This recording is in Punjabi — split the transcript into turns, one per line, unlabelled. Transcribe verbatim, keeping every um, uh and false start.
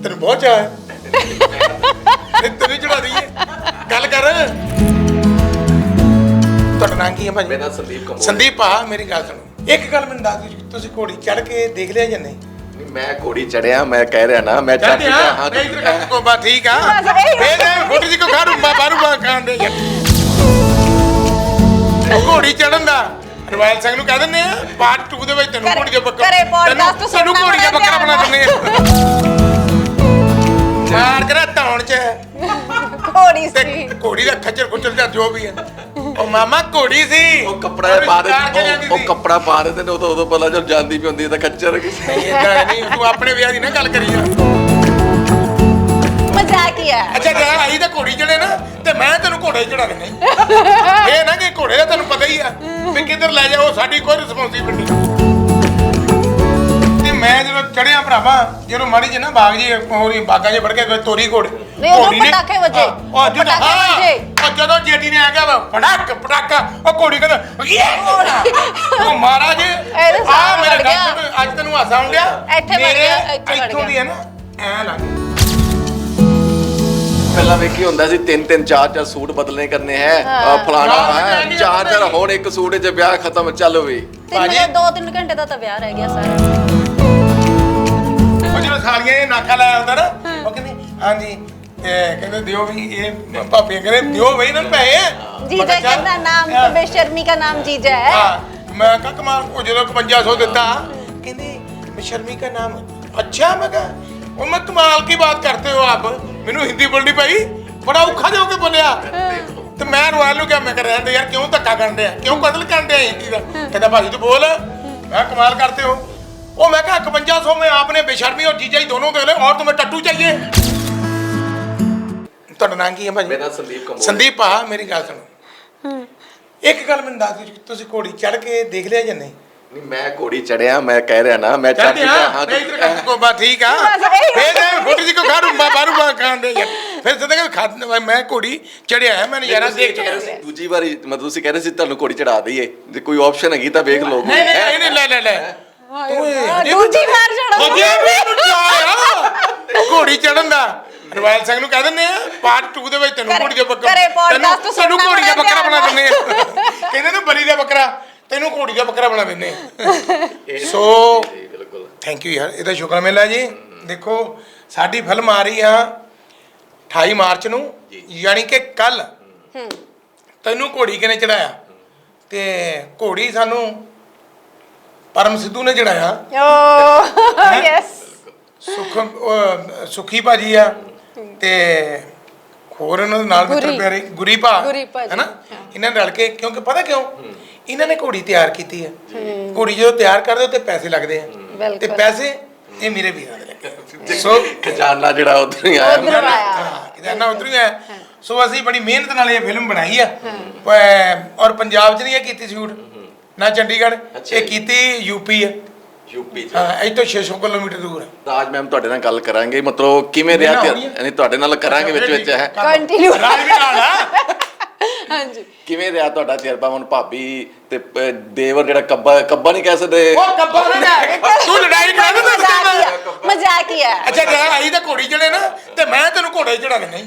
ਤੈਨੂੰ ਬਹੁਤ ਚਾਹ ਹੈ ਤੈਨੂੰ ਚੜਾ ਦਈਏ ਗੱਲ ਕਰ। ਤੁਹਾਡਾ ਨਾਂ ਕੀ ਹੈ ਭਾਜੀ?
ਮੇਰਾ ਸੰਦੀਪ ਕੰਬੋਜ।
ਸੰਦੀਪ ਆ ਮੇਰੀ ਗੱਲ ਸੁਣੋ, ਇੱਕ ਗੱਲ ਮੈਨੂੰ ਦੱਸ ਦਿਓ, ਤੁਸੀਂ ਘੋੜੀ ਚੜ ਕੇ ਦੇਖ ਲਿਆ ਜਾਂ ਨਹੀਂ?
ਮੈਂ ਘੋੜੀ ਚੜਿਆ, ਮੈਂ ਕਹਿ ਰਿਹਾ ਨਾ ਮੈਂ ਚੜ
ਚੜ੍ਹਦੇ
ਚੁੱਕਾ
ਹਾਂ
ਹਾਂ।
ਮੈਂ ਇਧਰ ਕਰ ਕੋ ਬਾ ਠੀਕ ਆ ਫੇਰ ਫੋਟੋ ਜੀ ਕੋ ਖਾਰੂ ਬਾ ਬਾਰੂ ਬਾ ਖਾਣ ਦੇ ਘੋੜੀ ਚੜਨ ਦਾ ਰਵਾਇਲ ਸਿੰਘ ਨੂੰ ਕਹਿ ਦਿੰਦੇ ਆ ਪਾਰਟ ਟੂ ਦੇ ਵਿੱਚ ਤੈਨੂੰ ਘੋੜੀ ਦਾ ਬੱਕਰਾ
ਘਰੇ podcast
ਤੈਨੂੰ ਘੋੜੀ ਦਾ ਬੱਕਰਾ ਬਣਾ ਦਿੰਦੇ ਆ ਮਾਰ ਕਰਾ ਧੌਣ ਚ
ਘੋੜੀ
ਤੇ
ਸੀ।
ਘੋੜੀ ਦਾ ਖੱਚਰ ਖੁੱਚਰ ਜਾਂ ਜੋ ਵੀ ਹੈ ਉਹ ਮਾਮਾ ਘੋੜੀ ਸੀ।
ਉਹ ਕੱਪੜਾ ਪਾ ਦੇ ਉਹ- ਉਹ ਕੱਪੜਾ ਪਾ ਦੇ ਤੇ ਉਦੋਂ ਉਦੋਂ ਪਹਿਲਾਂ ਜਦ ਜਾਂਦੀ ਵੀ ਹੁੰਦੀ ਤਾਂ ਖੱਚਰ
ਏਦਾਂ ਨਹੀਂ ਤੂੰ ਆਪਣੇ ਵਿਆਹ ਦੀ ਨਾ ਗੱਲ ਕਰੀ ਜਾ।
ਮਜ਼ਾਕ ਹੀ ਹੈ।
ਅੱਛਾ ਜੇ ਆਈ ਤਾਂ ਘੋੜੀ ਚੜੇ ਨਾ ਤੇ ਮੈਂ ਤੈਨੂੰ ਘੋੜੇ ਚੜਾ ਦਿੰਦਾ ਇਹ ਨਾ ਕਿ ਘੋੜੇ ਦਾ ਤੈਨੂੰ ਪਤਾ ਹੀ ਆ ਵੀ ਕਿੱਧਰ ਲੈ ਜਾ, ਉਹ ਸਾਡੀ ਕੋਈ ਰਿਸਪੌਂਸਿਬਿਲਟੀ ਨਹੀਂ। ਤੇ ਮੈਂ ਜਦੋਂ ਚੜਿਆ ਭਰਾਵਾ, ਜਦੋਂ ਮਾੜੀ ਜੀ ਨਾ ਬਾਗ ਜੀ ਹੋਰੀ ਬਾਗਾਂ 'ਚ ਵੜ ਕੇ ਕੋਈ ਤੋਰੀ ਘੋੜੇ
ਨਹੀਂ, ਉਦੋਂ ਪਟਾਕੇ ਵੱਜੇ।
ਉਹ ਜਦੋਂ
ਪਟਾਕੇ
ਹਾਂ,
ਵੱਜੇ।
ਉਹ ਜਦੋਂ ਜੇਟੀ ਨੇ ਆ ਗਿਆ ਵਾ ਪਟਾਕ ਪਟਾਕਾ ਉਹ ਘੋੜੀ ਕਹਿੰਦਾ ਇਹ ਉਹ ਮਹਾਰਾਜ
ਇਹਦੇ
ਆ
ਸਾਹਮਣੇ
ਮੇਰੇ
ਵੜ ਗਿਆ।
ਗੱਲ ਤੋਂ ਅੱਜ ਤੈਨੂੰ ਹਾਸਾ ਆਉਂਦਿਆ
ਇੱਥੇ ਵੜ ਗਿਆ, ਇੱਥੇ ਵੜ
ਇੱਥੋਂ
ਗਿਆ।
ਦੀ ਹੈ ਨਾ ਐ ਲੱਗ
ਪਹਿਲਾਂ ਵੇਖੀ ਹੁੰਦਾ ਸੀ ਤਿੰਨ ਤਿੰਨ ਚਾਰ ਚਾਰ ਸੂਟ ਬਦਲਨੇ ਕਰਨੇ ਹੈ ਆਹ ਫਲਾਣਾ ਹੈ ਚਾਰ ਚਾਰ ਹੁਣ ਇੱਕ ਸੂਟ 'ਚ ਵਿਆਹ ਖਤਮ ਚੱਲ ਵੀ
ਤੇ ਮੇਰੇ ਦੋ ਤਿੰਨ ਘੰਟੇ ਦਾ ਤਾਂ ਵਿਆਹ ਰਹਿ ਗਿਆ ਸਾਰਾ।
ਉਹ ਜਦੋਂ ਸਾਲੀਆਂ ਇਹ ਨਾਕਾ ਲਾਇਆ ਹੁੰਦਾ ਨਾ ਉਹ ਕਹਿੰਦੇ ਹਾਂਜੀ ਇਹ ਕਹਿੰਦੇ ਦਿਓ ਵੀ ਇਹ ਭਾਪੀਆਂ ਕਹਿੰਦੇ ਦਿਓ ਬਈ ਇਹਨਾਂ ਨੂੰ ਪੈਸੇ
जीजा कहना नाम तो बेशर्मी का नाम जीजा है।
हाँ मैं कहा कमाल को जो पचवंजा सौ दिता कहते बेशर्मी का नाम अच्छा मैं कहा वो मैं कमाल की बात करते हो आप मैनू हिंदी बोलनी पई बड़ा औखा जो के बोलिया तो मैं रॉयल ਨੂੰ ਕਿਹਾ ਮੈਂ ਕਰ ਰਿਹਾ ਯਾਰ ਕਿਉਂ ਧੱਕਾ ਕਰਨ ਡਿਆ ਕਿਉਂ ਕਤਲ ਕਰਨ ਡਿਆ ਹਿੰਦੀ ਦਾ ਕਹਿੰਦਾ ਭਾਜੀ ਤੂੰ ਬੋਲ मैं कमाल करते हो वो मैं कहा इकवंजा सौ में आपने बेशर्मी और जीजा ही दोनों दे ले और तुम्हें टट्टू चाहिए। ਤੁਹਾਡਾ ਨਾਂ ਕੀ ਹੈ ਭਾਜੀ?
ਮੇਰਾ ਸੰਦੀਪ ਕੰਬੋਜ।
ਸੰਦੀਪ ਆ ਮੇਰੀ ਗੱਲ ਸੁਣੋ, ਇੱਕ ਗੱਲ ਮੈਨੂੰ ਦੱਸ ਦਿਓ, ਤੁਸੀਂ ਘੋੜੀ ਚੜ ਕੇ ਦੇਖ ਲਿਆ ਜਾਂ ਨਹੀਂ?
ਨਹੀਂ ਮੈਂ ਘੋੜੀ ਚੜਿਆ, ਮੈਂ ਕਹਿ ਰਿਹਾ ਨਾ ਮੈਂ ਚੜ
ਚੜ੍ਹਦੇ
ਚੁੱਕਾ
ਹਾਂ
ਹਾਂ।
ਮੈਂ ਇਧਰ ਕਰ ਕੋ ਬਾ ਠੀਕ ਆ ਫੇਰ ਫੋਟੋ ਜੀ ਕੋ ਖਾਰੂ ਬਾ ਬਾਰੂ ਬਾ ਖਾਣ ਦੇ ਫਿਰ ਸਦਾ ਕਿ ਖਾ ਮੈਂ ਘੋੜੀ ਚੜਿਆ ਹੈ ਮੈਂ ਨਜ਼ਾਰਾ ਦੇਖ ਚੁੱਕਾ ਸੀ।
ਦੂਜੀ ਵਾਰੀ ਮਤਲਬ ਤੁਸੀਂ ਕਹਿ ਰਹੇ ਸੀ ਤੁਹਾਨੂੰ ਘੋੜੀ ਚੜਾ ਦਈਏ ਜੇ ਕੋਈ ਆਪਸ਼ਨ ਹੈਗੀ ਤਾਂ ਵੇਖ ਲਓ।
ਨਹੀਂ ਨਹੀਂ ਨਹੀਂ ਲੈ ਲੈ ਲੈ
ਦੂਜੀ ਵਾਰ
ਚੜੋ ਘੋੜੀ ਚੜਨ ਦਾ ਰਵਾਇਲ ਸਿੰਘ ਨੂੰ ਕਹਿ ਦਿੰਦੇ ਆ ਪਾਰਟ ਟੂ ਦੇ ਵਿੱਚ ਤੈਨੂੰ ਘੋੜੀ ਦਾ ਬੱਕਰਾ
ਘਰੇ podcast
ਤੈਨੂੰ ਤੈਨੂੰ
ਸੁਣਨਾ
ਘੋੜੀ ਦਾ
ਬੜਾ
ਬੱਕਰਾ ਬਣਾ
ਧਿਆਨ
ਦਿੰਦੇ ਆ ਕਹਿੰਦੇ ਨੇ ਬਲੀ ਦਾ ਬੱਕਰਾ ਤੈਨੂੰ ਘੋੜੀ ਦਾ ਬੱਕਰਾ ਬਣਾ ਦਿੰਦੇ ਆ। ਸੋ
ਬਿਲਕੁਲ
ਥੈਂਕ ਯੂ ਯਾਰ, ਇਹਦਾ ਸ਼ੁਕਰ ਮੇਲਾ ਜੀ। ਦੇਖੋ ਸਾਡੀ ਫਿਲਮ ਆ ਰਹੀ ਆ ਅਠਾਈ ਮਾਰਚ ਨੂੰ ਯਾਨੀ ਕਿ ਕੱਲ। ਤੈਨੂੰ ਘੋੜੀ ਕਿਨੇ ਚੜਾਇਆ? ਤੇ ਘੋੜੀ ਸਾਨੂੰ ਪਰਮ ਸਿੱਧੂ ਨੇ ਚੜਾਇਆ।
Oh yes.
ਸੁਖ ਉਹ ਸੁਖੀ ਭਾਜੀ ਆ ਤੇ ਹੋਰ ਇਹਨਾਂ ਦੇ ਨਾਲ ਮਿੱਤਰ
ਗੁਰੀ।
ਪਿਆਰੇ ਗੁਰੀ ਭਾ
ਗੁਰੀ ਭਾਜੀ,
ਹੈਨਾ। ਇਹਨਾਂ ਨੇ ਰਲ ਕੇ ਕਿਉਂਕਿ ਪਤਾ ਕਿਉਂ ਇਹਨਾਂ ਨੇ ਘੋੜੀ ਤਿਆਰ ਕੀਤੀ ਹੈ। ਘੋੜੀ ਜਦੋਂ ਤਿਆਰ ਕਰਦੇ ਹੋ ਤੇ ਪੈਸੇ ਲੱਗਦੇ ਆ ਤੇ ਪੈਸੇ ਇਹ ਮੇਰੇ ਵੀਰਾਂ ਦੇ ਲੱਗੇ। ਸੋ
ਖਜ਼ਾਨਾ ਜਿਹੜਾ ਉਧਰ ਹੀ ਆਇਆ
ਉਧਰ ਆਇਆ।
ਹਾਂ ਖਜ਼ਾਨਾ ਉਧਰ ਹੀ ਆਇਆ। ਸੋ ਅਸੀਂ ਬੜੀ ਮਿਹਨਤ ਨਾਲ ਇਹ ਫਿਲਮ ਬਣਾਈ ਆ ਔਰ ਪੰਜਾਬ 'ਚ ਨਹੀਂ ਇਹ ਕੀਤੀ ਸ਼ੂਟ ਨਾ ਚੰਡੀਗੜ੍ਹ, ਇਹ ਕੀਤੀ ਯੂਪੀ ਆ।
ਯੂਪੀ ਚ
ਹਾਂ ਇੱਥੋਂ ਛੇ ਸੌ ਕਿਲੋਮੀਟਰ ਦੂਰ ਹੈ।
ਰਾਜ ਮੈਮ ਤੁਹਾਡੇ ਨਾਲ ਗੱਲ ਕਰਾਂਗੇ ਮਤਲਬ ਕਿਵੇਂ ਰਿਹਾ ਤੇ ਨਹੀਂ ਤੁਹਾਡੇ ਨਾਲ ਕਰਾਂਗੇ ਵਿੱਚ ਵਿੱਚ ਹੈ
ਕੰਟੀਨਿਊ
ਰਾਜ ਵੀ ਨਾਲ ਆ।
ਹਾਂਜੀ
ਕਿਵੇਂ ਰਿਹਾ ਤੁਹਾਡਾ ਤਜਰਬਾ? ਹੁਣ ਭਾਬੀ ਤੇ ਪ- ਦੇਵਰ ਜਿਹੜਾ ਕੱਬਾ ਕੱਬਾ ਨਹੀਂ ਕਹਿ ਸਕਦੇ
ਉਹ ਕੱਬਾ ਨਾ ਤੂੰ ਲੜਾਈ ਕਰਾ ਦੇ
ਮਜ਼ਾਕ ਹੀ ਹੈ।
ਅੱਛਾ ਜੇ ਆਈ ਤਾਂ ਘੋੜੀ ਚੜੇ ਨਾ ਤੇ ਮੈਂ ਤੈਨੂੰ ਘੋੜੇ ਚੜਾ ਦਿੰਦਾ।